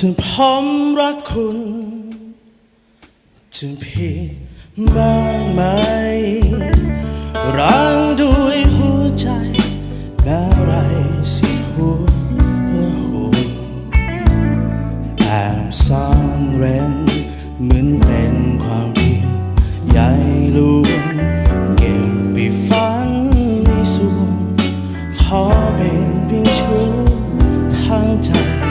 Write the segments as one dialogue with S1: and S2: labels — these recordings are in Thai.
S1: ถึงผมรักคุณถึงผิดบ้างไหมรังด้วยหัวใจแม้ไรสิหัวและหัวแอบซ่อนเร้นเหมือนเป็นความผิดใหญ่หลวงเก็บไปฝันในส่วนขอเป็นเพียงชั่วทางใจ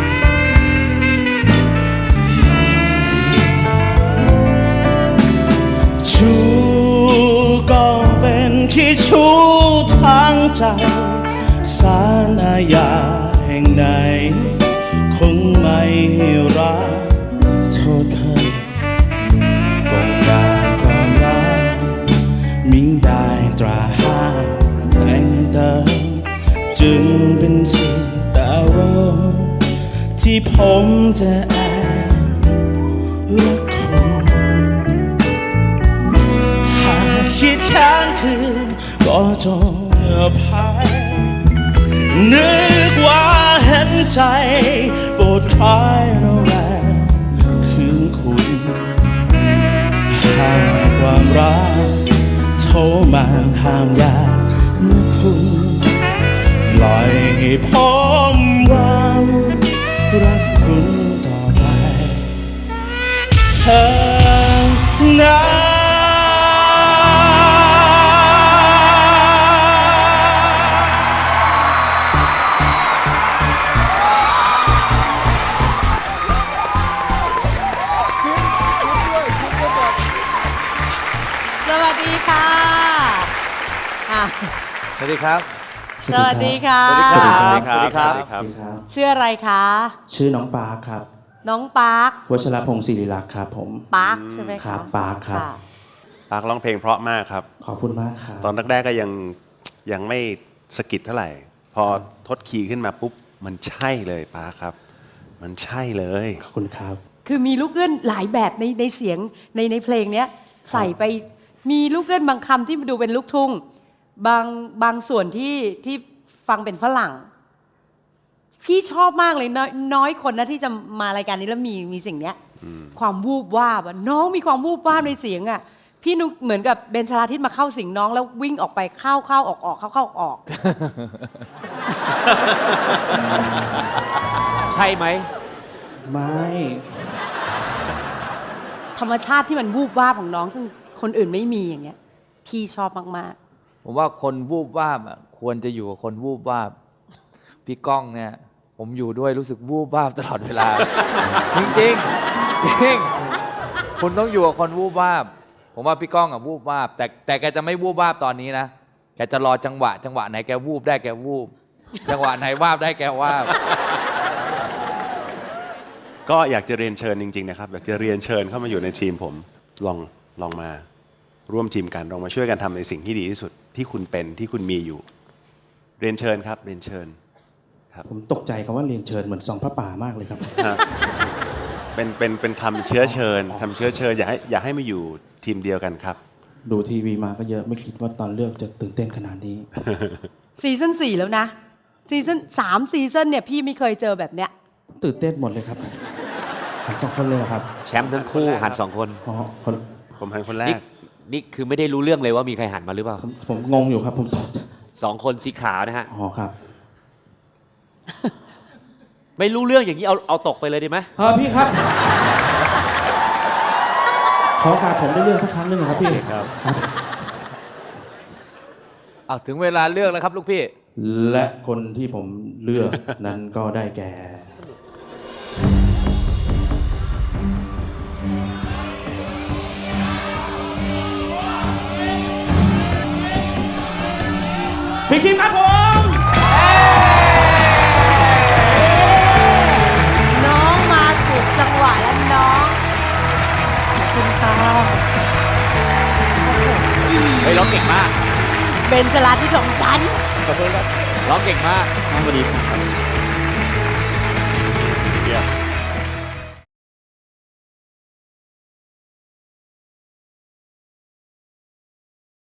S1: ชูก็เป็นขี้ชู้ทางใจศาลอาญาแห่งไหนคงไม่ให้รักโทษเธอกงการความรักมิ่งได้ตราห้ามแต่งเติมจึงเป็นสิ่งดาวงที่ผมจะแอบรักคุณหากคิดค้างคืนก็จงอภัยนึกว่าเห็นใจโปรดคลายระแวงคืนคุณหากความรักโทรมาห้ามยากนะคุณปล่อยให้ผมวางรักคุณต่อไปเธอนะ
S2: สวัสดีค่ะ
S3: สวัสดีครับ
S2: สวัสดีค่ะ
S3: สวัสดีครับ
S2: ชื่ออะไรคะ
S1: ชื่อน้องปาร์คครับ
S2: น้องปาร์ค
S1: วชรพงศ์ศิริลักษ์ครับผม
S2: ปาร์คใช่ไหม
S1: ครั
S2: คะ
S1: บปาร์คครับ
S2: ะ
S4: ปาร์คร้องเพลงเพราะมากครับ
S1: ขอบคุณมากครับ
S4: ตอนแรกๆก็ยังไม่สะกิดเท่าไหร่ พอทดคีย์ขึ้นมาปุ๊บมันใช่เลยปาร์คครับ มันใช่เลย
S1: ขอบคุณครับ
S2: คือมีลูกเอื้อนหลายแบบในเสียงในเพลงเนี้ยใส่ไปมีลูกเอื้อนบางคำที่ดูเป็นลูกทุ่งบางส่วนที่ฟังเป็นฝรั่ง พี่ชอบมากเลยน้อยคนนะที่จะมารายการนี้แล้วมีสิ่งเนี้ยความวูบวาบอะน้องมีความวูบวาบในเสียงอะพี่นุกเหมือนกับเบนชลาทิศมาเข้าสิงน้องแล้ววิ่งออกไปเข้าออกเข้าออก
S3: ใช่ไหม
S1: ไม่
S2: ธรรมชาติที่มันวูบวาบของน้องซึ่งคนอื่นไม่มีอย่างเงี้ยพี่ชอบมาก
S3: ผมว่าคนวูบวาบอะควรจะอยู่กับคนวูบวาบพี่ก้องเนี่ย ผมอยู่ด้วยรู้สึกวูบวาบตลอดเวลา จริงจริงจริงคุณต้องอยู่กับคนวูบวาบผมว่าพี่ก้องอะวูบวาบแต่แกจะไม่วูบวาบตอนนี้นะแกจะรอจังหวะไหนแกวูบได้แกวูบจังหวะไหนวาบได้แกวาบ
S4: ก็อยากจะเรียนเชิญจริงๆนะครับอยากจะเรียนเชิญเข้ามาอยู่ในทีมผมลองมาร่วมทีมกันลองมาช่วยกันทำในสิ่งที่ดีที่สุดที่คุณเป็นที่คุณมีอยู่ เรียนเชิญครับเรียนเชิญครับ
S1: ผมตกใจคำว่าเรียนเชิญเหมือนสองพระป่ามากเลยครับ
S4: เป็นคำเชื้อเชิญอยากให้มาอยู่ทีมเดียวกันครับ
S1: ดูทีวีมาก็เยอะไม่คิดว่าตอนเลือกจะตื่นเต้นขนาดนี้
S2: ๆซีซั่น4แล้วนะซีซั่น3ซีซั่นเนี่ยพี่ไม่เคยเจอแบบเนี้ย
S1: ตื่นเต้นหมดเลยครับหันสองคนเลยเหรอครับ
S5: แชมป์ทั้งคู่หันสองคน
S1: อ๋อคน
S4: ผมเป็นคนแร
S5: นี่
S4: ก
S5: นี่คือไม่ได้รู้เรื่องเลยว่ามีใครหันมาหรือเปล่า
S1: ผมงงอยู่ครับผมตก
S5: สองคนสีขาวนะฮะ
S1: อ๋อครับ
S5: ไม่รู้เรื่องอย่างนี้เอาตกไปเลยดีไหม
S1: พี่ครับ ขอโอกาสผมได้เลือกสักครั้งหนึ่งครับพี่ครับ
S3: เอาถึงเวลาเลือกแล้วครับลูกพี่
S1: และคนที่ผมเลือก นั้นก็ได้แก่พี่คิมครับผม
S2: น้องมาถูกจังหวะแล้วน้องขอบคุณค่ะ
S5: เฮ้ยร้องเก่งมาก
S2: เบนชลาทิศของฉัน
S5: ร้องเก่งมาก
S1: สวัสดีครับ